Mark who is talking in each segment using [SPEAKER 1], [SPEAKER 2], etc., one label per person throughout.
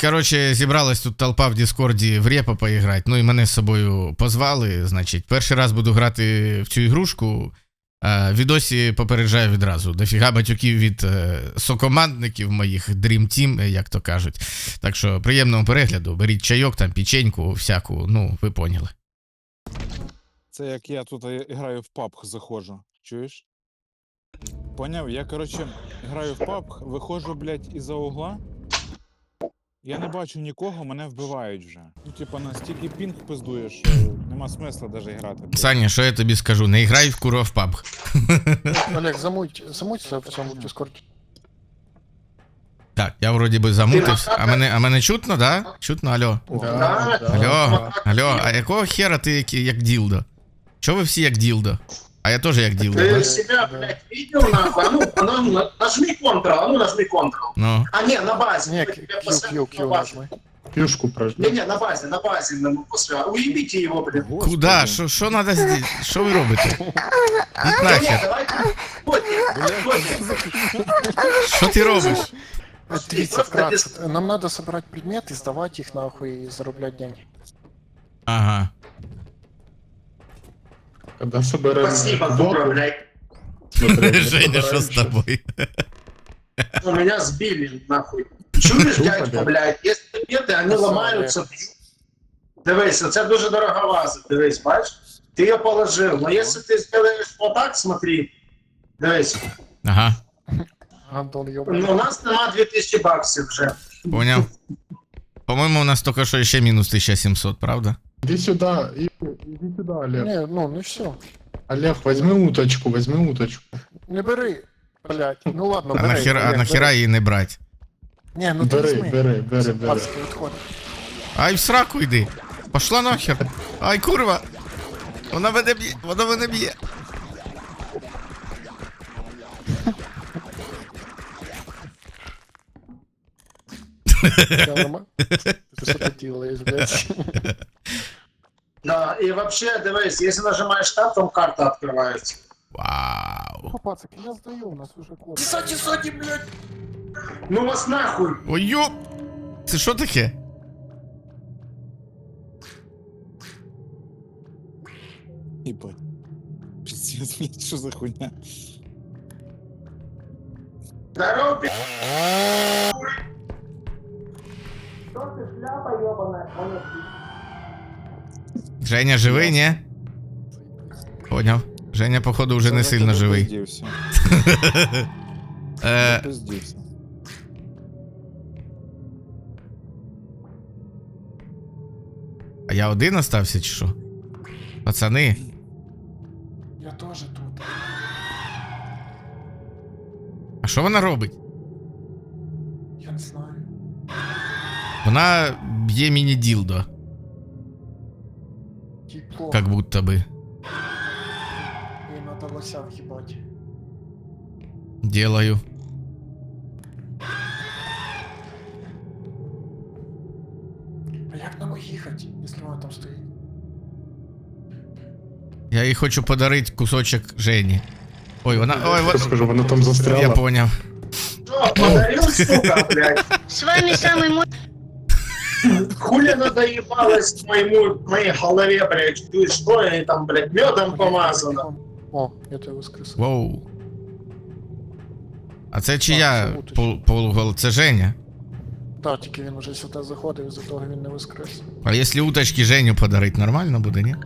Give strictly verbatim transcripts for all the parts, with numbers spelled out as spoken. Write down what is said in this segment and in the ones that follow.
[SPEAKER 1] коротше, зібралась тут толпа в Діскорді в репа поіграти, ну і мене з собою позвали, значить, перший раз буду грати в цю ігрушку, а, відосі попереджаю відразу, дофіга батюків від е, сокомандників моїх, Dream Team, як то кажуть. Так що, приємного перегляду, беріть чайок, там, печеньку, всяку, ну, ви поняли.
[SPEAKER 2] Це як я тут граю в пабг заходжу, чуєш? Поняв? Я, коротше, граю в пабг, виходжу, блядь, із-за угла. Я не бачу нікого, мене вбивають вже. Ну, типа, настільки пінг пиздує, що нема смисла навіть грати. блядь.
[SPEAKER 1] Саня, що я тобі скажу, не грай в курва в пабг.
[SPEAKER 3] Олег, замуть, замуться в цьому дискорді.
[SPEAKER 1] Так, я вроді би замутився. А мене, а мене чутно, да? Чутно, алло.
[SPEAKER 3] Да,
[SPEAKER 1] Алло, алло, а якого хера ти як, як ділдо? Чого ви всі як ділдо? А я теж як ділдо.
[SPEAKER 4] Ты себя, блядь, видел нахуй? А ну, а ну, нажми Ctrl, а ну нажми Ctrl.
[SPEAKER 1] Ну.
[SPEAKER 4] А не, на базе.
[SPEAKER 3] Не,
[SPEAKER 4] Я
[SPEAKER 3] Q,
[SPEAKER 4] тебя
[SPEAKER 3] Q,
[SPEAKER 4] поставлю
[SPEAKER 3] Q
[SPEAKER 4] на базе.
[SPEAKER 3] нажми.
[SPEAKER 5] Пюшку
[SPEAKER 4] Не,
[SPEAKER 5] прожми.
[SPEAKER 4] не, на базе, на базе, на после. Уебите его, блядь.
[SPEAKER 2] Господи.
[SPEAKER 1] Куда? Що, що надо зробити? Що ви робите? Ідь
[SPEAKER 4] Не, не,
[SPEAKER 1] нахер.
[SPEAKER 4] давайте. Ходите, ходите.
[SPEAKER 1] Що ти робиш?
[SPEAKER 3] Дивіться, вкратце. Нам надо собрать предметы, сдавать их нахуй и зароблять деньги.
[SPEAKER 1] Ага.
[SPEAKER 5] Когда соберем
[SPEAKER 4] Спасибо, дура, блядь.
[SPEAKER 1] Женя, що з тобою?
[SPEAKER 4] Ну, меня сбили, нахуй. Чуешь,
[SPEAKER 5] Тупо,
[SPEAKER 4] дядько,
[SPEAKER 5] да.
[SPEAKER 4] блядь, если предметы, они ломаются. Дивись, це дуже дорога ваза, дивись, бачиш? Ти її положив, но если ты сделаешь вот так, смотри, дивись,
[SPEAKER 1] Ага,
[SPEAKER 3] Гандон
[SPEAKER 4] ну,
[SPEAKER 3] ёбаный.
[SPEAKER 4] у нас нема дві тисячі баксів вже.
[SPEAKER 1] поняв. По-моєму, у нас тільки що ще мінус тисяча сімсот, правда?
[SPEAKER 5] Иди сюда, и- иди сюда, Олег.
[SPEAKER 3] Не, ну, ну все.
[SPEAKER 5] Олег, возьми уточку, возьми уточку.
[SPEAKER 3] Не бери, блядь. Ну ладно,
[SPEAKER 1] А
[SPEAKER 3] бери.
[SPEAKER 1] нахера, а
[SPEAKER 3] Олег,
[SPEAKER 1] нахера
[SPEAKER 3] бери.
[SPEAKER 1] її не брати?
[SPEAKER 3] Не, ну ти
[SPEAKER 5] Бери,
[SPEAKER 3] візьми.
[SPEAKER 5] бери, бери, бери.
[SPEAKER 3] Пацки, відходь.
[SPEAKER 1] Ай, в сраку йди. Пошла нахер. Ай, курва. Вона мене б'є, вона мене б'є.
[SPEAKER 3] Я нормально? Ти що ти делаєш, блядь?
[SPEAKER 4] Да, і вообще, дивись, якщо нажимаєш tab, там карта відкривається.
[SPEAKER 1] Вау.
[SPEAKER 3] О, пацаки, я здаю, у нас уже код.
[SPEAKER 4] Саді, саді, блядь. Ну вас нахуй.
[SPEAKER 1] Ой, йоп. Це що таке?
[SPEAKER 2] Ебать. Пиздец, блядь, що за хуйня?
[SPEAKER 4] Здорово, блядь. Що ти, шляпа ёбаная?
[SPEAKER 1] Женя живий, ні? Поняв. Женя, походу, вже не сильно живий.
[SPEAKER 2] Пиздівся.
[SPEAKER 1] Е,
[SPEAKER 2] Пиздівся.
[SPEAKER 1] а я один остався чи що? Пацани.
[SPEAKER 3] Я теж тут.
[SPEAKER 1] А що вона робить?
[SPEAKER 3] Я не знаю.
[SPEAKER 1] Вона б'є міні-ділдо,
[SPEAKER 3] Тепло.
[SPEAKER 1] как будто би.
[SPEAKER 3] Їй надо лося в'їбать.
[SPEAKER 1] Делаю.
[SPEAKER 3] А як нам їхати, якщо вона там стоїть?
[SPEAKER 1] Я їй хочу подарити кусочок Жені. Ой, вона... Ой,
[SPEAKER 5] Я
[SPEAKER 1] вот...
[SPEAKER 5] скажу, она там
[SPEAKER 1] Я
[SPEAKER 5] застряла.
[SPEAKER 1] поняв.
[SPEAKER 4] Що, подарил, сука, блядь?
[SPEAKER 6] С вами самый мой...
[SPEAKER 4] Хули надоебалось моему, моей голове, блядь? Ты что, я там, блядь, медом помазано?
[SPEAKER 3] О, я тебе воскресив.
[SPEAKER 1] Воу. А це чия
[SPEAKER 3] це уточка.
[SPEAKER 1] пол- полугол? Це Женя.
[SPEAKER 3] Так, тільки він уже сюди заходив, із-за того він не воскрес.
[SPEAKER 1] А якщо уточки Женю подарить, нормально буде, ні?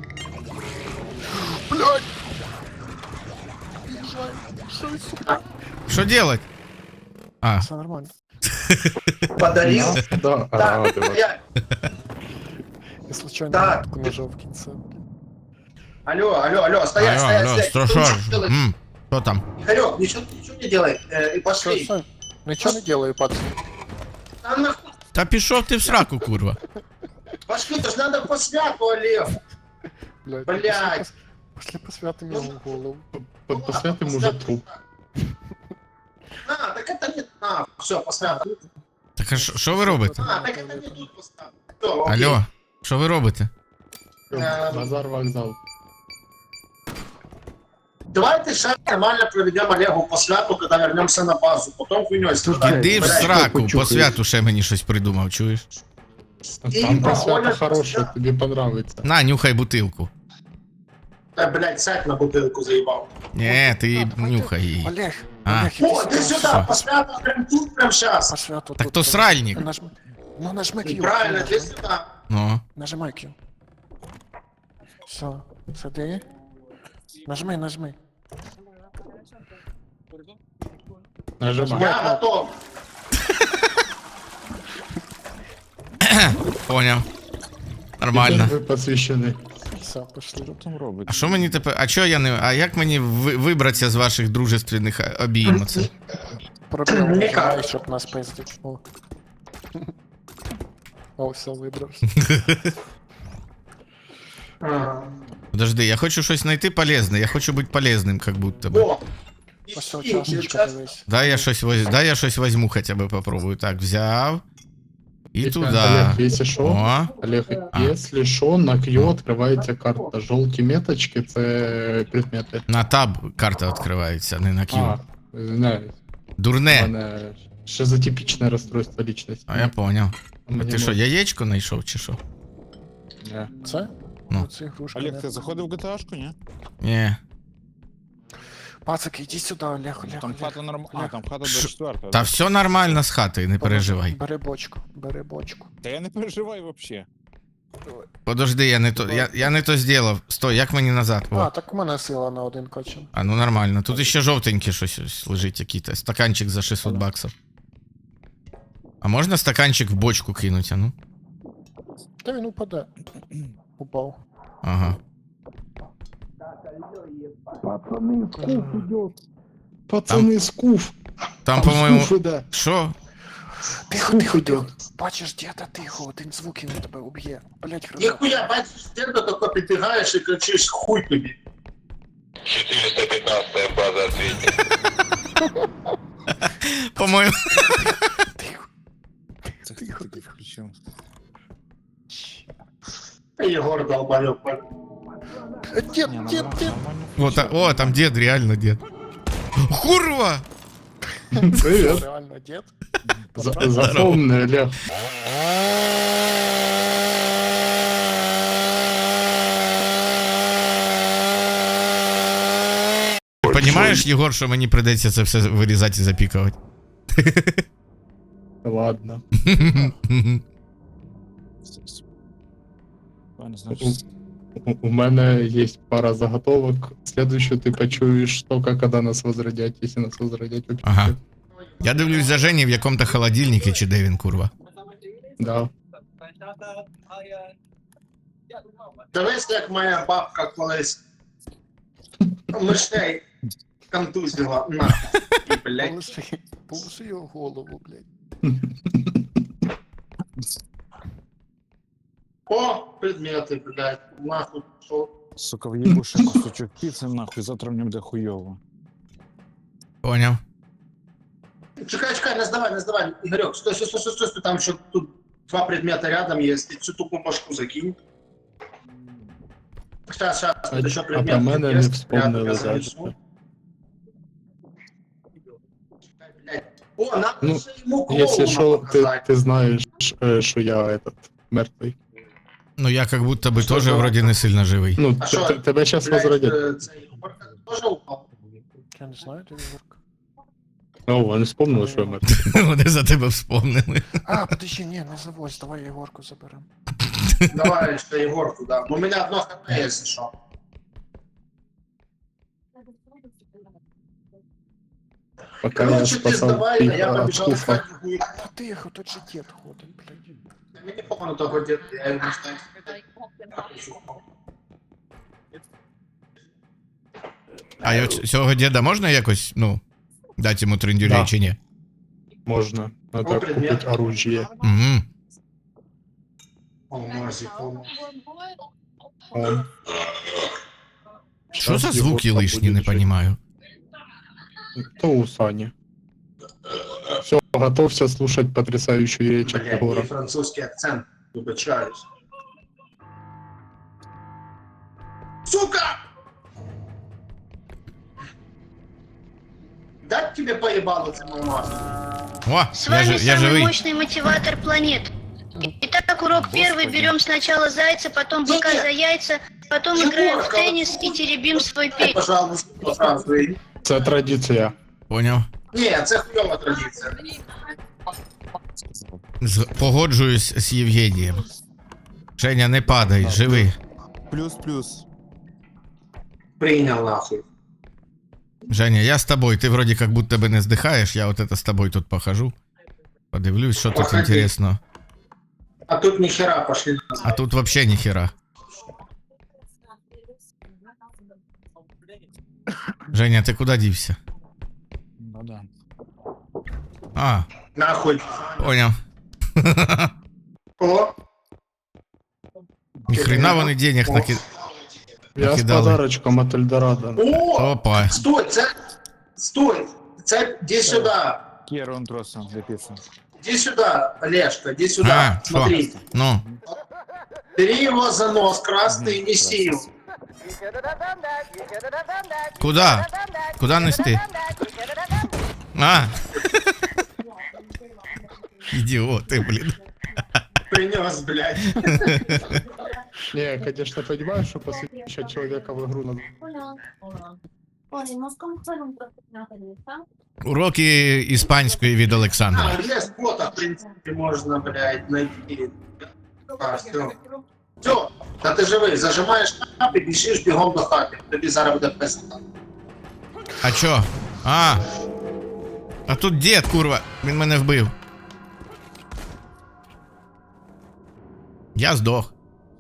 [SPEAKER 3] Блядь! Їжджай, що ви, сука?
[SPEAKER 1] Що делать? А,
[SPEAKER 3] Все нормально.
[SPEAKER 4] Подарил?
[SPEAKER 5] Да, а,
[SPEAKER 4] Так,
[SPEAKER 5] давай.
[SPEAKER 4] я...
[SPEAKER 3] Я случайно
[SPEAKER 4] Так.
[SPEAKER 3] кнопку нажав в кінці.
[SPEAKER 4] Алло, алло, алло, стоять,
[SPEAKER 1] алло,
[SPEAKER 4] стоять,
[SPEAKER 1] алло,
[SPEAKER 4] стоять.
[SPEAKER 1] що,
[SPEAKER 4] Ну,
[SPEAKER 1] що?
[SPEAKER 4] что делать?
[SPEAKER 1] М, Що там?
[SPEAKER 4] Игорек, ничего, ничего не делай, э, и
[SPEAKER 3] Все,
[SPEAKER 4] пошли.
[SPEAKER 3] все. Нічого не делаю, пацан.
[SPEAKER 4] А нахуй,
[SPEAKER 1] Та пішов ти в сраку, курва.
[SPEAKER 4] пошли, это ж надо по святу, Олег.
[SPEAKER 3] Блядь.
[SPEAKER 4] Блядь.
[SPEAKER 3] Після посвяти мені в голову.
[SPEAKER 5] По- Посмотрим уже труп.
[SPEAKER 4] А, так это не... А, все, по святу.
[SPEAKER 1] Так а що що ви робите?
[SPEAKER 4] А, так это не тут поставь. Всё, окей.
[SPEAKER 1] Алло, що ви робите?
[SPEAKER 4] Эм.
[SPEAKER 5] Базар вокзал.
[SPEAKER 4] Давайте ще нормально проведемо Олегу по святу, коли вернемося на базу. Потім хуйньою страдаємо.
[SPEAKER 1] Іди в
[SPEAKER 4] Блядь,
[SPEAKER 1] сраку, по
[SPEAKER 5] почухаєш.
[SPEAKER 1] святу ще мені щось придумав, чуєш?
[SPEAKER 5] Там по свято
[SPEAKER 4] проходят-
[SPEAKER 5] хорошее, тебе понравится.
[SPEAKER 1] На, нюхай бутилку.
[SPEAKER 4] Та, блядь, сядь на бутилку заїбав.
[SPEAKER 1] Ні, ти нюхай її.
[SPEAKER 3] Олег,
[SPEAKER 1] А.
[SPEAKER 3] Олег, іди
[SPEAKER 4] О, ти
[SPEAKER 3] сюди.
[SPEAKER 4] сюди, по святу, прям тут, прям
[SPEAKER 3] По
[SPEAKER 4] зараз.
[SPEAKER 3] святу
[SPEAKER 1] Так
[SPEAKER 3] тут,
[SPEAKER 1] то
[SPEAKER 3] тут.
[SPEAKER 1] сральник.
[SPEAKER 3] Нажми. Ну нажми Q.
[SPEAKER 4] Правильно,
[SPEAKER 3] нажми.
[SPEAKER 4] ти сюди.
[SPEAKER 1] Ну.
[SPEAKER 3] Нажимай Q. Все, сиди. Нажми, нажми.
[SPEAKER 5] Нажимай.
[SPEAKER 4] Я готов.
[SPEAKER 1] Поняв. Нормально.
[SPEAKER 5] Вы посвящены.
[SPEAKER 3] Все, пошли.
[SPEAKER 2] Що там робить?
[SPEAKER 1] А що мені тепер. А чо я не. А як мені ви- вибратися з ваших дружественних обійм оце?
[SPEAKER 3] Проблема
[SPEAKER 4] Ніяк.
[SPEAKER 3] нажимай, щоб нас пиздить. О. О, все, вибрався.
[SPEAKER 4] Ага.
[SPEAKER 1] Подожди, я хочу щось знайти полезне, я хочу бути полезним, как будто бы.
[SPEAKER 4] О,
[SPEAKER 3] Ось ця
[SPEAKER 4] іщи,
[SPEAKER 3] чашечка,
[SPEAKER 4] зараз-
[SPEAKER 3] дивись.
[SPEAKER 1] Дай я щось воз... Дай я щось возьму хоча б попробую. Так, взяв. І
[SPEAKER 5] Олег,
[SPEAKER 1] туди.
[SPEAKER 5] если шо,
[SPEAKER 1] О,
[SPEAKER 5] Олег,
[SPEAKER 1] А.
[SPEAKER 5] если шо, на Q открывається карта. Жовті меточки це предмети.
[SPEAKER 1] на таб карта відкривається, не на
[SPEAKER 5] А,
[SPEAKER 1] Q.
[SPEAKER 5] знаю. У
[SPEAKER 1] Дурне.
[SPEAKER 5] мене шизотипічне розстройство личності.
[SPEAKER 1] А я поняв. А
[SPEAKER 5] Мені
[SPEAKER 1] ти що,
[SPEAKER 5] можна.
[SPEAKER 1] яєчко знайшов чи що?
[SPEAKER 5] Ні.
[SPEAKER 3] Це?
[SPEAKER 1] Ну.
[SPEAKER 3] Це ігрушка.
[SPEAKER 2] Олег,
[SPEAKER 3] не-
[SPEAKER 2] ти заходив в джі ті ей-шку, ні?
[SPEAKER 1] Ні.
[SPEAKER 3] Пацики, іди сюди, Олег, Олег,
[SPEAKER 2] Там
[SPEAKER 3] Олег.
[SPEAKER 2] хата норм... А,
[SPEAKER 3] Олег.
[SPEAKER 2] там хата
[SPEAKER 1] Ш-
[SPEAKER 2] до четвертого.
[SPEAKER 1] Та все нормально з хатою, не переживай.
[SPEAKER 3] Бери бочку, бери бочку.
[SPEAKER 2] Та я не переживай вообще.
[SPEAKER 1] Подожди, я не то. Я, я не то зробив. Стой, як мені назад?
[SPEAKER 3] А,
[SPEAKER 1] О.
[SPEAKER 3] так у мене сила на один кочин.
[SPEAKER 1] А ну нормально. Тут ще жовтеньке щось ось лежить який-то. Стаканчик за шістсот баксів. А можна стаканчик в бочку кинути, а ну?
[SPEAKER 3] Та він упаде. Упав.
[SPEAKER 1] Ага.
[SPEAKER 5] Пацани, скуф.
[SPEAKER 1] Там, по-моєму.
[SPEAKER 5] скуф іде.
[SPEAKER 1] Що?
[SPEAKER 3] Тихо, тихо, тихо. Бачиш, діда, тихо, один звук і він тебе уб'є. Блять, хрена.
[SPEAKER 4] Ніхуя, бачиш, ти до тако підбігаєш і кричиш хуй тобі.
[SPEAKER 6] четыреста пятнадцатая база ответит.
[SPEAKER 1] По-моєму.
[SPEAKER 3] Тихо.
[SPEAKER 2] Це
[SPEAKER 3] Тихо,
[SPEAKER 2] хто таки
[SPEAKER 3] тихо.
[SPEAKER 2] включив?
[SPEAKER 4] Та Єгор долбайок.
[SPEAKER 3] Дід,
[SPEAKER 2] Ні,
[SPEAKER 3] дід,
[SPEAKER 2] нормально,
[SPEAKER 3] дід.
[SPEAKER 2] нормально
[SPEAKER 1] О, та, о, там дід, реально дід. Курва!
[SPEAKER 5] Привіт.
[SPEAKER 3] Реально, дід.
[SPEAKER 5] За- Запомни, Олег.
[SPEAKER 1] Понімаєш, Єгор, що мені прийдеться це все вирізати і запікувати?
[SPEAKER 5] Ладно.
[SPEAKER 2] Правильно, значить,
[SPEAKER 5] У, у мене є пара заготовок. Следующую ты почуешь только когда нас возродять, если нас возродять вообще.
[SPEAKER 1] Ага. Я дивлюсь за Жені в якому-то холодильнику, чи де він, курва.
[SPEAKER 5] Да.
[SPEAKER 4] Дивись, як моя бабка колись мишей контузила. На. І, блядь.
[SPEAKER 3] Положи, положи його голову, блядь.
[SPEAKER 4] О, предмети, блядь. Нахуй, що?
[SPEAKER 2] сука, в'їбу ще кусочок піци, нахуй, завтра мені буде хуйово.
[SPEAKER 1] Поняв.
[SPEAKER 4] Чекай, чекай, не здавай, не здавай. Ігорьок, стой, стой, стой, стой, стой, стой, там ще тут два предмета рядом є. Ти цю тупу башку закинь. Сейчас, сейчас,
[SPEAKER 5] А,
[SPEAKER 4] тут еще
[SPEAKER 5] а
[SPEAKER 4] предмет.
[SPEAKER 5] про мене не
[SPEAKER 4] есть.
[SPEAKER 5] вспомнили
[SPEAKER 4] Рядом я
[SPEAKER 5] далі.
[SPEAKER 4] занесу. Чекай, блядь. О, надо
[SPEAKER 5] Ну,
[SPEAKER 4] же ему
[SPEAKER 5] Если
[SPEAKER 4] клоуна
[SPEAKER 5] что, ты,
[SPEAKER 4] показать.
[SPEAKER 5] ты знаешь, э, что я этот мертвый.
[SPEAKER 1] Ну я как будто би
[SPEAKER 4] Що
[SPEAKER 1] теж
[SPEAKER 4] за-
[SPEAKER 1] вроді не сильно живий.
[SPEAKER 5] Ну,
[SPEAKER 4] А
[SPEAKER 5] т-
[SPEAKER 4] що,
[SPEAKER 5] т- тебе сейчас
[SPEAKER 4] Блядь,
[SPEAKER 5] возродят.
[SPEAKER 4] э, цей Ігорка теж упав.
[SPEAKER 3] Я не знаю, де Ігорка.
[SPEAKER 5] О, он вспомнил, что я мертвый.
[SPEAKER 1] Вони за тебе вспомнили.
[SPEAKER 3] А, подожди, не, не завозь, давай Егорку заберем.
[SPEAKER 4] Давай ще Ігорку, да. У мене одно хп, якщо що.
[SPEAKER 5] Пока я
[SPEAKER 4] Короче, ти
[SPEAKER 5] спасал
[SPEAKER 4] здавай, а
[SPEAKER 5] их
[SPEAKER 4] я
[SPEAKER 5] от
[SPEAKER 4] побіжав
[SPEAKER 5] скуфа.
[SPEAKER 4] искать другую.
[SPEAKER 3] Та тихо, тут же дід ходить, блядь.
[SPEAKER 4] Мені похуй того діда, я його не знаю.
[SPEAKER 1] А я ц- цього діда можна якось, ну, дати йому трендюлей
[SPEAKER 5] Да.
[SPEAKER 1] чи ні?
[SPEAKER 5] Можно. Надо
[SPEAKER 4] Ну, предмет.
[SPEAKER 5] купить оружие.
[SPEAKER 1] Угу.
[SPEAKER 4] О, Мазі, о.
[SPEAKER 5] Он.
[SPEAKER 1] Що за
[SPEAKER 5] Сейчас
[SPEAKER 1] звуки
[SPEAKER 5] Егорка
[SPEAKER 1] лишні,
[SPEAKER 5] будет
[SPEAKER 1] не
[SPEAKER 5] жить.
[SPEAKER 1] понимаю.
[SPEAKER 5] То у Сани. Все, готовься слушать потрясающую речь от
[SPEAKER 4] Блядь,
[SPEAKER 5] Егора.
[SPEAKER 4] і французький акцент, вибачаюсь. Сука! дать тебе поебало це мама?
[SPEAKER 1] О,
[SPEAKER 7] С
[SPEAKER 1] я,
[SPEAKER 7] вами
[SPEAKER 1] ж, я
[SPEAKER 7] самый
[SPEAKER 1] живий.
[SPEAKER 7] мощный мотиватор планет. Итак, урок первый. Берем сначала зайца, потом быка за яйца, потом играем в теннис и теребим свой пень.
[SPEAKER 4] Пожалуйста, француй.
[SPEAKER 5] Це традиція.
[SPEAKER 1] Поняв.
[SPEAKER 4] Ні, це хуйова традиція.
[SPEAKER 1] З- Погоджуюсь з Євгенієм. Женя, не падай, живи.
[SPEAKER 2] Плюс-плюс.
[SPEAKER 4] Прийняв нахуй.
[SPEAKER 1] Женя, я з тобою. Ти вроді як будто би не здихаєш, я от это з тобою тут похожу. Подивлюсь, що тут
[SPEAKER 4] Походи.
[SPEAKER 1] інтересно.
[SPEAKER 4] А тут ніхера пошли назад.
[SPEAKER 1] А тут вообще ніхера. Женя, ти куди дівся?
[SPEAKER 2] Ну да.
[SPEAKER 1] А,
[SPEAKER 4] Нахуй.
[SPEAKER 1] поняв.
[SPEAKER 4] О,
[SPEAKER 1] Ніхрена вони денег таки.
[SPEAKER 5] Я з
[SPEAKER 1] Накидали.
[SPEAKER 5] подарочком от Ельдорадо.
[SPEAKER 4] о,
[SPEAKER 1] Опа.
[SPEAKER 4] стой, це, стой, це, іди сюди,
[SPEAKER 2] Кіро он тросом для пиццы.
[SPEAKER 4] іди сюди, Олежка, іди сюди,
[SPEAKER 1] А,
[SPEAKER 4] смотри.
[SPEAKER 1] що? Ну,
[SPEAKER 4] Бери его за нос красный и неси его.
[SPEAKER 1] куда? Куда нести? А. Ідіоти, блін.
[SPEAKER 4] Принес, блядь.
[SPEAKER 5] Не, конечно, понимаю, что посвящать человека в игру надо.
[SPEAKER 1] Уроки іспанської від Олександра.
[SPEAKER 4] А, есть фото, в принципе, можно, блядь, найти. А, все. Все, та ти живий, зажимаєш кнопки, біжиш бігом до хати. Тобі зараз буде пизда.
[SPEAKER 1] А чо? А. А тут дід, курва. Він мене вбив. Я здох.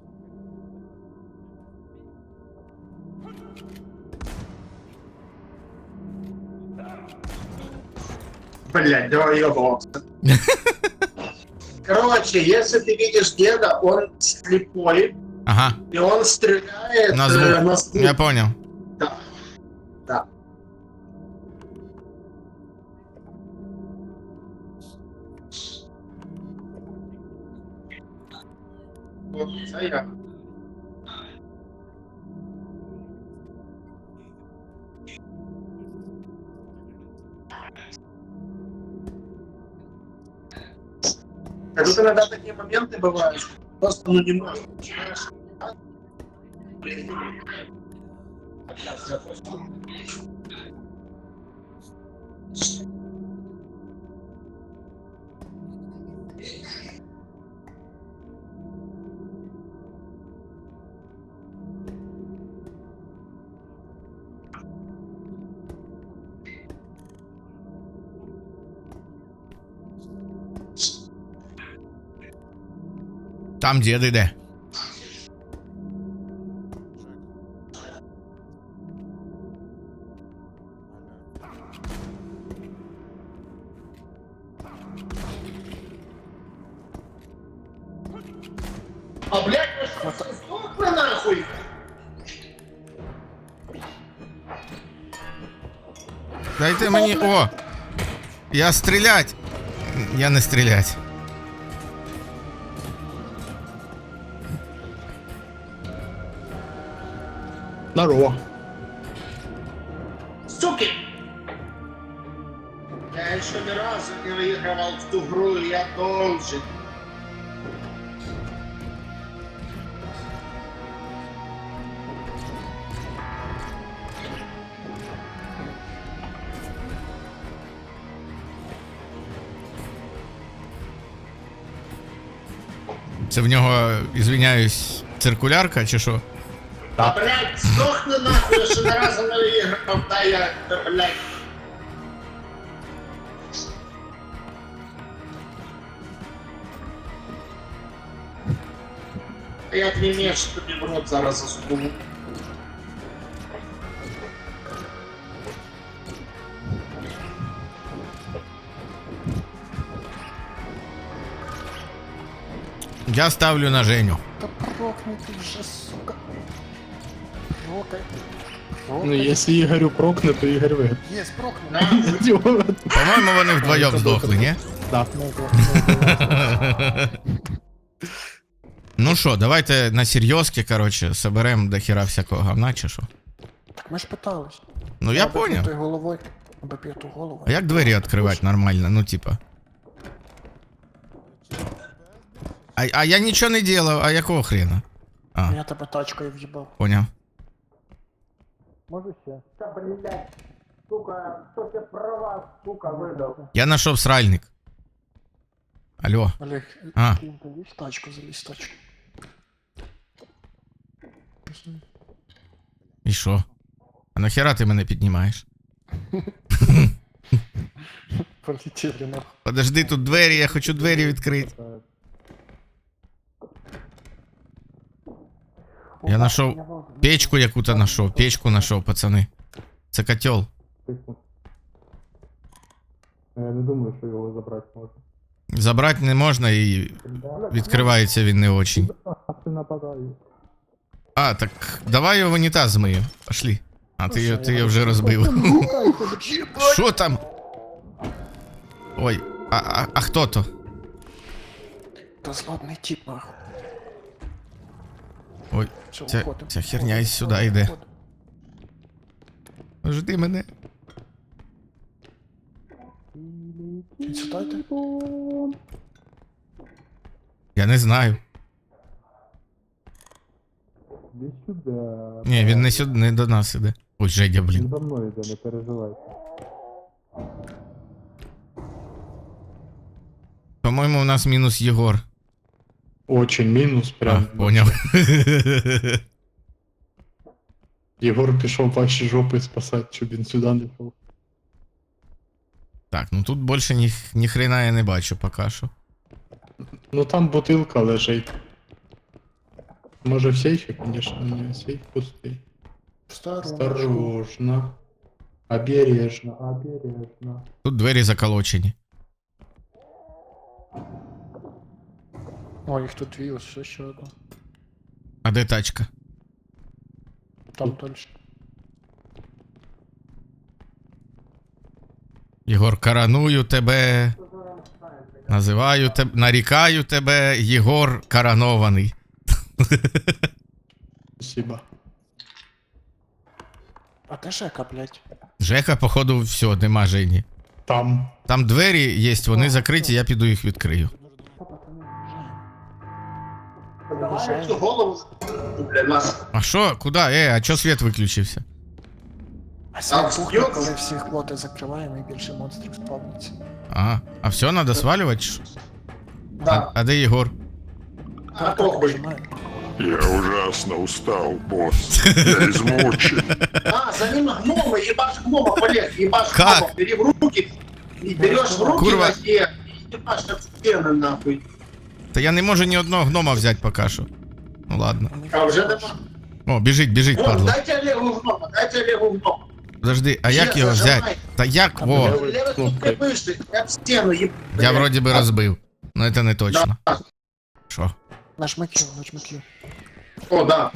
[SPEAKER 4] Блядь, давай ебался. Короче, если ты видишь деда, он слепой,
[SPEAKER 1] Ага,
[SPEAKER 4] и он стреляет
[SPEAKER 1] на
[SPEAKER 4] э,
[SPEAKER 1] звук.
[SPEAKER 4] на звук.
[SPEAKER 1] Я понял.
[SPEAKER 4] Да. Да. Вот, це я. А тут иногда такие моменты бывают, что просто ну не можешь. начинаешь. Блин.
[SPEAKER 1] Там дід іде.
[SPEAKER 4] А блядь, вы что, сдохли нахуй?
[SPEAKER 1] Дайте мені. О! Я стрілять! Я не стрілять.
[SPEAKER 5] Здорово.
[SPEAKER 4] Суки! Я еще ни разу не выигрывал в ту игру, и я должен.
[SPEAKER 1] Це в нього, ізвиняюсь, циркулярка чи що?
[SPEAKER 4] А, блядь, сдохни нахуй, я еще ни разу не выиграл, да я, да, блядь. Я твій меч тобі в рот зараз засуну.
[SPEAKER 1] Я ставлю на Женю.
[SPEAKER 3] Та прокни ти вже, сука. Прокай.
[SPEAKER 5] Ну, если Игорю прокне, то Игорь выиграет.
[SPEAKER 3] Є, прокни.
[SPEAKER 4] На,
[SPEAKER 5] Идиот.
[SPEAKER 1] По-моєму, вони вдвоєм здохли, ні?
[SPEAKER 5] Да.
[SPEAKER 1] Ну що, давайте на серйозки, короче, соберемо до хіра всякого говна, чи що?
[SPEAKER 3] Ми ж питались.
[SPEAKER 1] Ну я
[SPEAKER 3] Треба
[SPEAKER 1] поняв.
[SPEAKER 3] бути головою. Аби п'яту голову.
[SPEAKER 1] А як двері відкривати нормально? Ну, типа. А, а я нічого не делав, а якого хрена? А,
[SPEAKER 3] Я тебе тачкою в'їбав.
[SPEAKER 1] поняв.
[SPEAKER 3] Може ще?
[SPEAKER 4] Та, блядь, сука, хто тебе права, сука, видав?
[SPEAKER 1] Я знайшов сральник. Алло.
[SPEAKER 3] Олег,
[SPEAKER 1] А.
[SPEAKER 3] Ким, ти лізь в тачку, залізь в тачку.
[SPEAKER 1] І що? А нахера ти мене піднімаєш?
[SPEAKER 3] Полетіли нахуй.
[SPEAKER 1] Подожди, тут двері, я хочу двері відкрити. Я знайшов печку яку-то знайшов, печку знайшов, пацани. Це котел.
[SPEAKER 5] Я не думаю, що його забрати можна.
[SPEAKER 1] Забрати не можна і відкривається він не очень.
[SPEAKER 5] А ти нападаю.
[SPEAKER 1] А, так давай його в унітаз змию. Пошли. А ти, його- ти його вже розбив. Що там? Ой, а, а, а хто то?
[SPEAKER 3] Та злобний тип, нахуй.
[SPEAKER 1] Ой,
[SPEAKER 3] Все,
[SPEAKER 1] ця,
[SPEAKER 3] уходимо.
[SPEAKER 1] ця херня із сюди йде.
[SPEAKER 3] Уходимо.
[SPEAKER 1] Жди мене.
[SPEAKER 3] Він сюди йде?
[SPEAKER 1] Я не знаю.
[SPEAKER 5] Десь сюди.
[SPEAKER 1] Ні, він не сюди, не до нас іде. Ой, Жедя,
[SPEAKER 5] Він
[SPEAKER 1] блін.
[SPEAKER 5] за мною йде, не переживайте.
[SPEAKER 1] По-моєму, у нас мінус Єгор.
[SPEAKER 5] Очень мінус,
[SPEAKER 1] А,
[SPEAKER 5] прям.
[SPEAKER 1] поняв.
[SPEAKER 5] Єгор пішов ваші жопи спасати, щоб він сюди не йшов.
[SPEAKER 1] Так, ну тут більше ні, ні хрена я не бачу поки що.
[SPEAKER 5] Ну там бутилка лежить. Може в сейфі, конечно, ні, сейф пустий.
[SPEAKER 3] Осторожно.
[SPEAKER 5] Осторожно. Обережно, обережно.
[SPEAKER 1] Тут двері заколочені.
[SPEAKER 3] О, їх тут дві, ось ще одна.
[SPEAKER 1] А де тачка?
[SPEAKER 3] Там дальше.
[SPEAKER 1] Єгор, караную тебе. Називаю тебе, нарікаю тебе, Єгор коронований.
[SPEAKER 5] Спасибо.
[SPEAKER 3] А де Жека, блядь?
[SPEAKER 1] Жека, походу, все, нема Жені.
[SPEAKER 5] Там.
[SPEAKER 1] Там двері є, вони закриті, я піду їх відкрию.
[SPEAKER 4] Давай цю голову, блядь, нас.
[SPEAKER 1] А що? Куди? Е, а чо світ виключився?
[SPEAKER 3] А сам
[SPEAKER 4] Там
[SPEAKER 3] пухне,
[SPEAKER 4] б'ється.
[SPEAKER 3] коли всі хлоти закриваємо і більше монстрів спавниться.
[SPEAKER 1] А, а все, треба свалювати? чи що? А,
[SPEAKER 4] Да.
[SPEAKER 1] а де Єгор?
[SPEAKER 4] А похуй.
[SPEAKER 6] Я ужасно устал, босс. Я измучен.
[SPEAKER 4] А, за ним гнома, ебашь гнома, Олег, ебашь
[SPEAKER 1] Как?
[SPEAKER 4] гнома, бери в руки, и берешь в руки
[SPEAKER 1] Курва.
[SPEAKER 4] ноге, и ебашь как стены, нахуй.
[SPEAKER 1] Та я не можу ні одного гнома взяти поки що. Ну ладно.
[SPEAKER 4] А уже нема.
[SPEAKER 1] О, біжить, біжить,
[SPEAKER 4] Вон,
[SPEAKER 1] падло.
[SPEAKER 4] дайте Олегу гнома, дайте Олегу гнома.
[SPEAKER 1] Подожди, а як
[SPEAKER 4] Ще
[SPEAKER 1] його
[SPEAKER 4] зажимай.
[SPEAKER 1] взяти? Та як? О,
[SPEAKER 5] Левой
[SPEAKER 4] Левый тут
[SPEAKER 5] кнопкой.
[SPEAKER 4] вышли, я в стену, еб...
[SPEAKER 1] я вроді би розбив. Ну це не точно. Що?
[SPEAKER 3] Нажми Q, нажми Q.
[SPEAKER 4] О, да.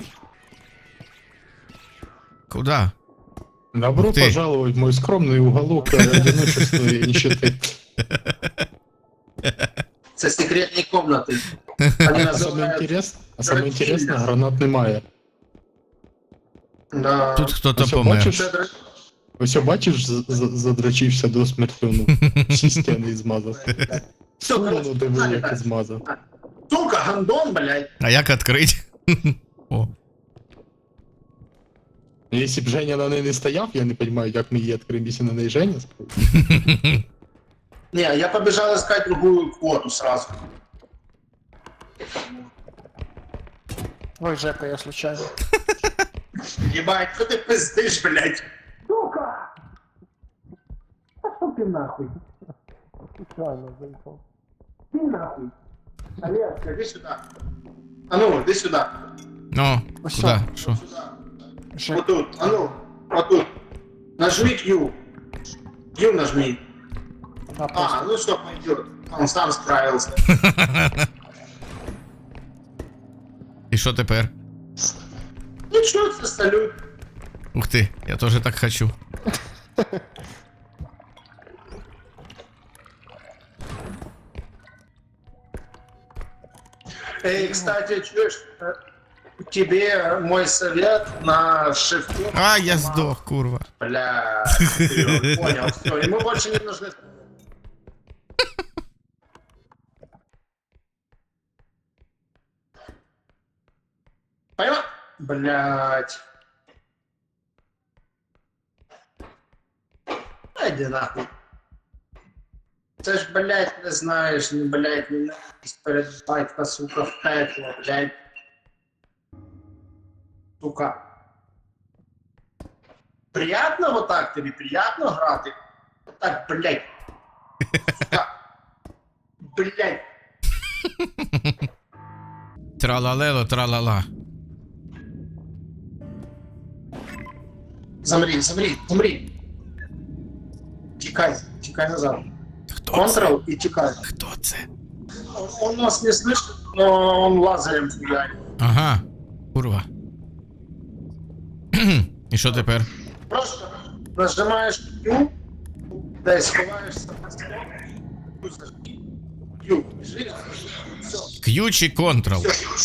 [SPEAKER 1] Куда?
[SPEAKER 5] Добро
[SPEAKER 1] Ух ты.
[SPEAKER 5] пожаловать в мой скромный уголок одиночества и нищеты.
[SPEAKER 4] Це секретні комнати. Вони
[SPEAKER 5] А самое
[SPEAKER 4] називають...
[SPEAKER 5] интересное, а самое интересное, гранат немає.
[SPEAKER 4] Да.
[SPEAKER 1] Тут хто-то
[SPEAKER 5] Ось
[SPEAKER 1] помер.
[SPEAKER 5] бачиш?
[SPEAKER 4] Це др-
[SPEAKER 5] Ось бачиш, з- з- задрачився до смерті, ну, всі стіни змазав.
[SPEAKER 4] Все,
[SPEAKER 5] Ну,
[SPEAKER 4] короче,
[SPEAKER 5] диви,
[SPEAKER 4] погнали,
[SPEAKER 5] як
[SPEAKER 4] так.
[SPEAKER 5] змазав.
[SPEAKER 4] Сука, гандон, блядь.
[SPEAKER 1] А як відкрити? О,
[SPEAKER 5] Якщо б Женя на неї не стояв, я не розумію, як ми її відкриємо, якщо на неї Женя стоїть.
[SPEAKER 4] Не, я побежал искать другую квоту сразу.
[SPEAKER 3] Ой, Жека, я случайно.
[SPEAKER 4] Ебать, что ты пиздишь, блядь? Сука! Пошел ты нахуй.
[SPEAKER 3] Случайно заїхав.
[SPEAKER 4] Ты нахуй. Олег, иди сюда. А ну, иди сюда.
[SPEAKER 1] ну,
[SPEAKER 3] Ось
[SPEAKER 1] куди? Що?
[SPEAKER 4] Сюда.
[SPEAKER 3] Жек,
[SPEAKER 4] Вот тут. А ну, вот тут. Нажми Q. Q нажми.
[SPEAKER 3] а,
[SPEAKER 4] А,
[SPEAKER 3] просто.
[SPEAKER 4] ну что пойдет. Он сам справился.
[SPEAKER 1] І що тепер?
[SPEAKER 4] Ничего, это салют.
[SPEAKER 1] Ух ти, я теж так хочу.
[SPEAKER 4] Эй, кстати, чуешь? э, тебе мой совет на шифте.
[SPEAKER 1] А, я здох, курва.
[SPEAKER 4] Бля, ты понял, все, ему больше не нужны. Понял? Блять. Иди нахуй. Це ж, блять, не знаєш, не, блять, не ненависть перед батька, сука, в пекло, блять. Сука. Приятно вот так тобі? Приятно грати? Так, блять. Сука. Блять.
[SPEAKER 1] Тралалело, тралала.
[SPEAKER 4] Замри, замри, замри. Тікай, тікай назад.
[SPEAKER 1] Хто
[SPEAKER 4] Контрол и тікай.
[SPEAKER 1] це? Хто це?
[SPEAKER 4] Он, он нас не слышит, но он лазером фигарит.
[SPEAKER 1] Ага, курва. І що тепер?
[SPEAKER 4] Просто нажимаешь Q, да и сховаешься на стол. Q, бежишь, все.
[SPEAKER 1] К'ю чи контрол?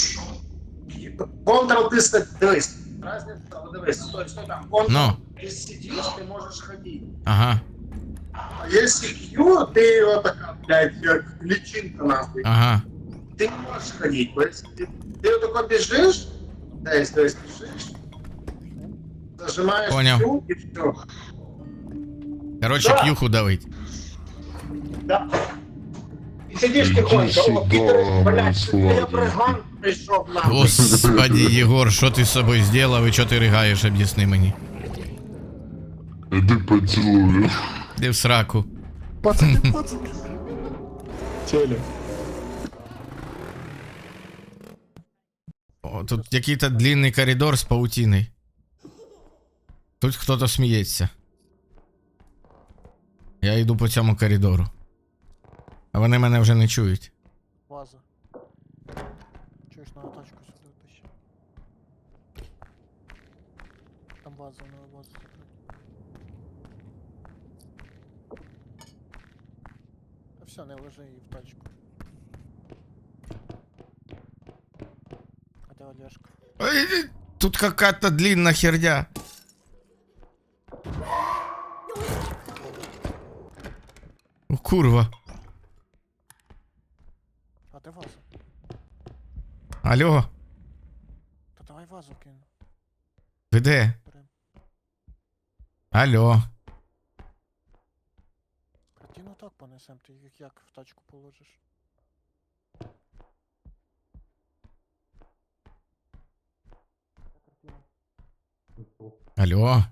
[SPEAKER 4] Контрол ты ста- дивись. Разница, вот дивись, стой, стой там. Контрол,
[SPEAKER 1] Ну.
[SPEAKER 4] ты сидишь, ты можешь ходить.
[SPEAKER 1] Ага,
[SPEAKER 4] А если Q, ты вот такая, блядь, как личинка нахуй.
[SPEAKER 1] ага.
[SPEAKER 4] Ты не можешь ходить. То есть ты, ты вот такой бежишь, да, есть, то есть бежишь, зажимаешь
[SPEAKER 1] Понял.
[SPEAKER 4] Q и все.
[SPEAKER 1] Короче,
[SPEAKER 4] Да.
[SPEAKER 1] к'юху давить.
[SPEAKER 4] Да. И сидишь
[SPEAKER 6] Иди
[SPEAKER 4] тихонько. О,
[SPEAKER 6] сюда,
[SPEAKER 4] Питер, блядь,
[SPEAKER 6] Славик.
[SPEAKER 4] я бриган пришел нахуй.
[SPEAKER 1] Господи, Єгор, що ти з собою зробив і що ти ригаєш, об'ясни мені.
[SPEAKER 6] Иди поцелую.
[SPEAKER 1] Де в сраку.
[SPEAKER 3] Пацани, пацани.
[SPEAKER 5] Телек.
[SPEAKER 1] О, тут який-то длинний коридор з паутиною. Тут хто-то сміється. Я йду по цьому коридору. А вони мене вже не чують.
[SPEAKER 3] Ваза. Чуєш, на тачку сюди тащи. Там ваза, на вазу закрити. Та все, не ложи її в тачку. А де Олешка?
[SPEAKER 1] Ой, тут какая-то длинна херня. О, курва.
[SPEAKER 3] А де ваза?
[SPEAKER 1] Алло,
[SPEAKER 3] Та давай вазу кину.
[SPEAKER 1] ви де?
[SPEAKER 3] Берем.
[SPEAKER 1] Алло.
[SPEAKER 3] Картину так понесем, ти їх як в тачку положиш?
[SPEAKER 1] Алло.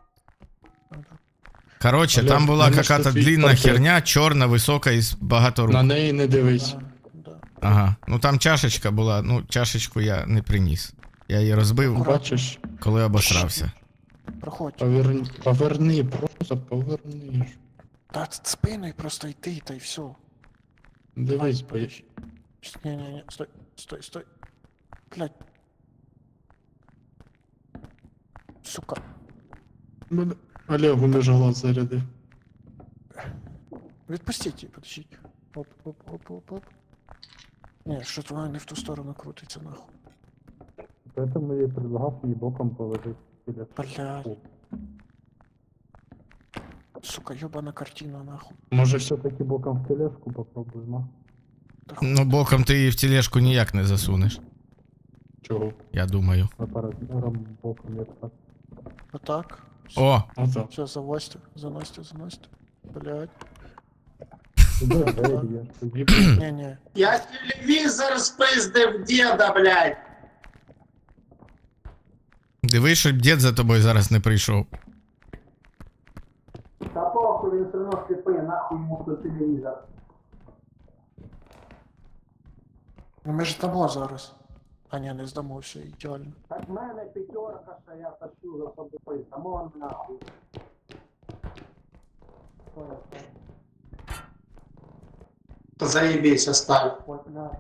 [SPEAKER 1] Короче,
[SPEAKER 5] Алло,
[SPEAKER 1] там була
[SPEAKER 5] мене
[SPEAKER 1] какая-то
[SPEAKER 5] ж тут
[SPEAKER 1] длинна
[SPEAKER 5] портрет.
[SPEAKER 1] херня, чорна, висока і з багато рук.
[SPEAKER 5] На неї не дивись.
[SPEAKER 3] Ага, да.
[SPEAKER 1] Ага. Ну там чашечка була, ну чашечку я не приніс. Я її розбив,
[SPEAKER 5] Бачиш?
[SPEAKER 1] коли обосрався.
[SPEAKER 3] Проходь.
[SPEAKER 5] Поверни, поверни, просто поверни.
[SPEAKER 3] Та ц- спиною просто йти, та й все.
[SPEAKER 5] Дивись, бо я-
[SPEAKER 3] Не-не-не, стой, стой, стой. Блядь. Сука.
[SPEAKER 5] Мене Олегу між глаз зарядив.
[SPEAKER 3] Відпустіть її, подождіть. Оп, оп, оп, оп, оп. Ні, що то вона не в ту сторону крутиться, нахуй.
[SPEAKER 5] Поэтому я предлагав її боком положити.
[SPEAKER 3] Блядь. Сука, ёбана картина, нахуй.
[SPEAKER 5] Може все-таки боком в тележку попробуємо?
[SPEAKER 3] Та хуй.
[SPEAKER 1] Ну боком ти її в тележку ніяк не засунеш,
[SPEAKER 5] Чого?
[SPEAKER 1] я думаю.
[SPEAKER 5] Апаратуром боком як так.
[SPEAKER 3] Отак.
[SPEAKER 1] О,
[SPEAKER 5] Ото.
[SPEAKER 3] Все, завозьте, заносьте, заносьте. Блядь.
[SPEAKER 5] Тоді
[SPEAKER 3] Не-не.
[SPEAKER 4] Я телевизор спиздив деда, блядь.
[SPEAKER 1] дивись, щоб дід за тобою зараз не прийшов.
[SPEAKER 4] Та похуй, він все одно сліпий, нахуй йому до телевізор.
[SPEAKER 3] Ну ми ж дамо зараз. А ні, не здамо, все ідеально.
[SPEAKER 4] Так в мене п'ятерка, що я тащу за собою, само нахуй. Заебись, оставь.
[SPEAKER 3] Ой, блядь.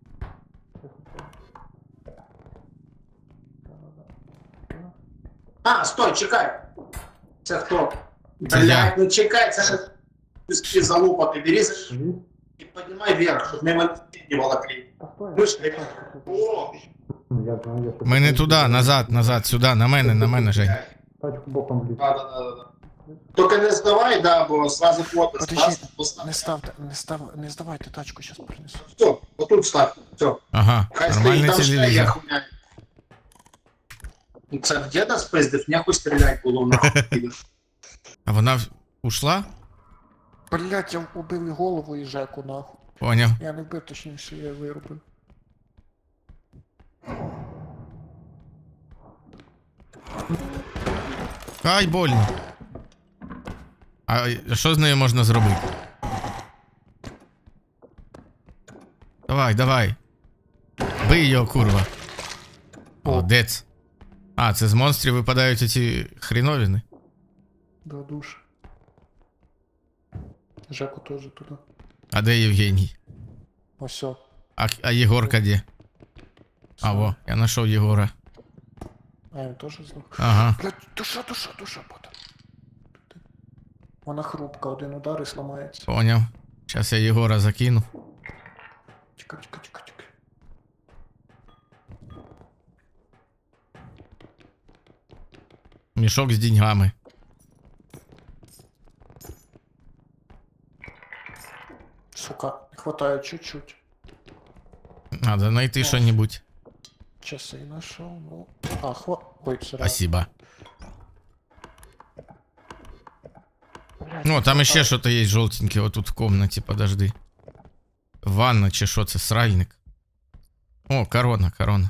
[SPEAKER 4] А, стой, чекай. Це хто?
[SPEAKER 1] Це я.
[SPEAKER 4] Блядь, ну чекай, це ж піски залупа, ти бери за- і піднімай вверх, щоб мимо не волокли.
[SPEAKER 3] Та стой.
[SPEAKER 4] Мишка, о,
[SPEAKER 3] Ну, я знаю, я тут
[SPEAKER 1] Ми не туди, назад, назад, сюди, на мене, на мене, Жень.
[SPEAKER 3] тачку боком вліз.
[SPEAKER 4] Да, да, да, да. Тільки не здавай, да, бо сразу фото
[SPEAKER 3] Подожди,
[SPEAKER 4] став, постав.
[SPEAKER 3] Не ставте, не став, не здавайте тачку, щас принесу.
[SPEAKER 4] Все, отут став, все.
[SPEAKER 1] Ага,
[SPEAKER 4] Хай стоїть,
[SPEAKER 1] нормальний
[SPEAKER 4] там ще є
[SPEAKER 1] телевізор.
[SPEAKER 4] хуйня. Ну, це в діда спиздив, нехуй стрілять було нахуй.
[SPEAKER 1] А вона в- ушла?
[SPEAKER 3] Блять, я убив і голову і Жеку, нахуй.
[SPEAKER 1] Поняв.
[SPEAKER 3] Я не вбив, точніше, я виробив.
[SPEAKER 1] Ай, больно. А що з нею можна зробити? Давай, давай. Бий його, курва. Молодець. А, це з монстрів випадають оці хріновини?
[SPEAKER 3] До душ. Жеку теж туди.
[SPEAKER 1] А де Євгеній?
[SPEAKER 3] Осьо.
[SPEAKER 1] А, а Єгорка де? А, во, я знайшов Єгора.
[SPEAKER 3] А він теж здох.
[SPEAKER 1] Ага.
[SPEAKER 3] Блять, душа, душа, душа, буде. Вона хрупка, один удар і сламається.
[SPEAKER 1] Поняв. Зараз я Єгора закину.
[SPEAKER 3] Чекай, чекай, чекай, чекай.
[SPEAKER 1] Мішок з деньгами.
[SPEAKER 3] Сука, не хватає чуть-чуть.
[SPEAKER 1] Надо знайти що-небудь.
[SPEAKER 3] Часи нашел, ну. А, хва... Ой, все.
[SPEAKER 1] Спасибо. Ну, там ще що-то є жовтеньке, отут в комнаті, подожди. Ванна чи що це, сральник? О, корона, корона.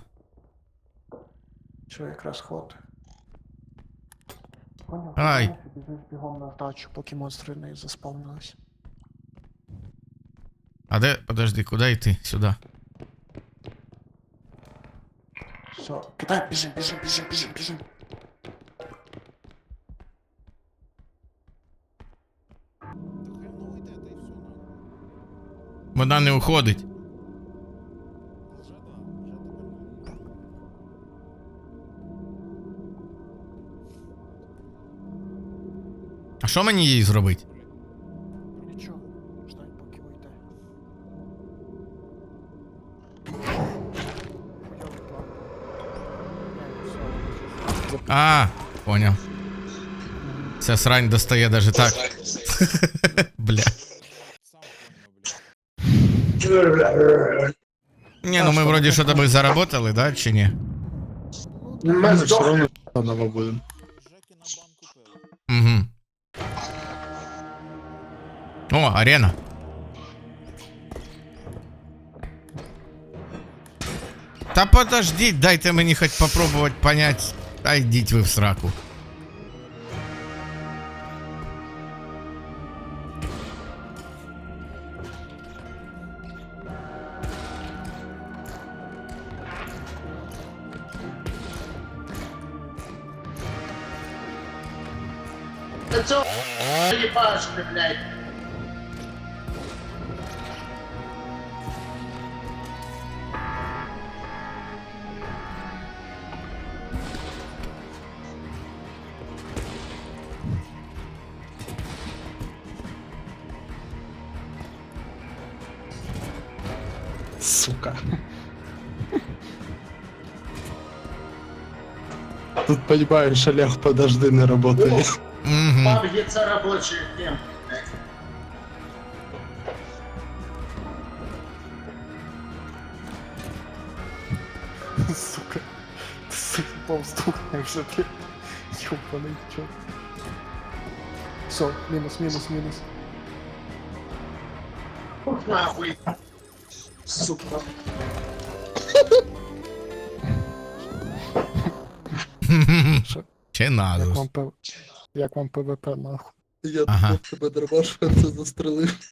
[SPEAKER 3] Що якраз хватає. Понял?
[SPEAKER 1] Ай.
[SPEAKER 3] Біжиш бігом на вдачу, поки монстри не заспавнились.
[SPEAKER 1] А де, подожди, куди йти? Сюди.
[SPEAKER 3] Все, кидай, біжим, біжим, біжим, біжим, біжим.
[SPEAKER 1] Вона не уходить. А що мені їй зробити?
[SPEAKER 3] Нічого, ждать, поки вийде. Хуйовий план. Все,
[SPEAKER 1] А, поняв. Ця срань достає даже так. Бля.
[SPEAKER 2] Сам поняв, блядь.
[SPEAKER 1] Не, ну ми вроді що то би заработали, да, чи ні?
[SPEAKER 4] Ми
[SPEAKER 5] Ми все
[SPEAKER 4] здохли.
[SPEAKER 5] равно заново будемо.
[SPEAKER 2] Жеки на банку пили.
[SPEAKER 1] Угу. О, арена. Та подождіть, дайте мені хоч попробувати понять. Та йдіть ви в сраку.
[SPEAKER 4] Та цього їбашки, блядь.
[SPEAKER 5] Сука. Тут, понимаешь, Олег, подожди, не работает.
[SPEAKER 1] Угу.
[SPEAKER 4] Паб є це робочий дім.
[SPEAKER 3] сука. Ти заїбав здохне вже, блядь. Ёбаний чорт. Все, мінус, мінус, мінус.
[SPEAKER 4] Ух, нахуй. Сука.
[SPEAKER 1] Чи
[SPEAKER 3] Як
[SPEAKER 1] надо?
[SPEAKER 3] вам пив... Як вам ПВП, нахуй?
[SPEAKER 5] Я
[SPEAKER 1] Ага.
[SPEAKER 5] тебе дробаш, це застрелив.